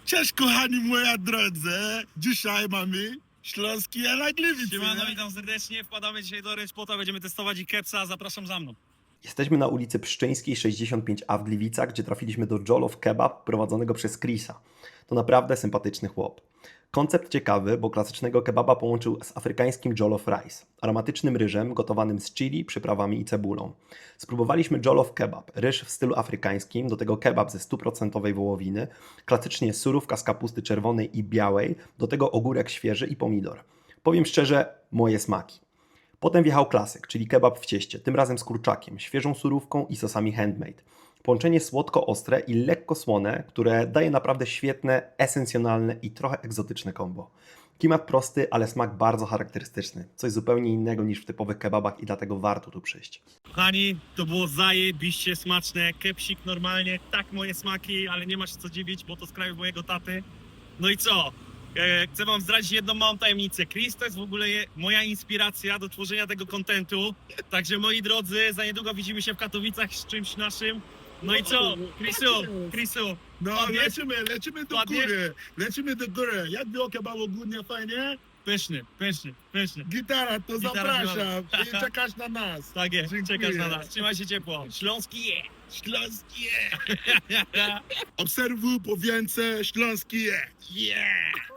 Cześć kochani moja drodzy, dzisiaj mamy śląski na Gliwice. Siemano, witam serdecznie, wpadamy dzisiaj do Rynszpota, będziemy testować i kepsa, zapraszam za mną. Jesteśmy na ulicy Pszczyńskiej 65A w Gliwicach, gdzie trafiliśmy do Jollof Kebab prowadzonego przez Chrisa. To naprawdę sympatyczny chłop. Koncept ciekawy, bo klasycznego kebaba połączył z afrykańskim jollof rice, aromatycznym ryżem gotowanym z chili, przyprawami i cebulą. Spróbowaliśmy jollof kebab, ryż w stylu afrykańskim, do tego kebab ze 100% wołowiny, klasycznie surówka z kapusty czerwonej i białej, do tego ogórek świeży i pomidor. Powiem szczerze, moje smaki. Potem wjechał klasyk, czyli kebab w cieście, tym razem z kurczakiem, świeżą surówką i sosami handmade. Połączenie słodko-ostre i lekko słone, które daje naprawdę świetne, esencjonalne i trochę egzotyczne kombo. Klimat prosty, ale smak bardzo charakterystyczny. Coś zupełnie innego niż w typowych kebabach i dlatego warto tu przyjść. Kochani, to było zajebiście smaczne, kepsik normalnie, tak moje smaki, ale nie ma się co dziwić, bo to z kraju mojego taty. No i co? Chcę wam zdradzić jedną małą tajemnicę. Chris to jest w ogóle moja inspiracja do tworzenia tego kontentu. Także moi drodzy, za niedługo widzimy się w Katowicach z czymś naszym. No i co? Chrisu, No Padniesz? lecimy do Padniesz? góry, lecimy do góry. Jak było kebab ogólnie fajnie? pyszny. Gitara, to Gitara zapraszam biorę. i czekasz na nas. Tak jest, Dziękuję. czekasz na nas. Trzymaj się ciepło. Śląski je! Śląski je. Obserwuj po więcej, Śląski je. Yeah!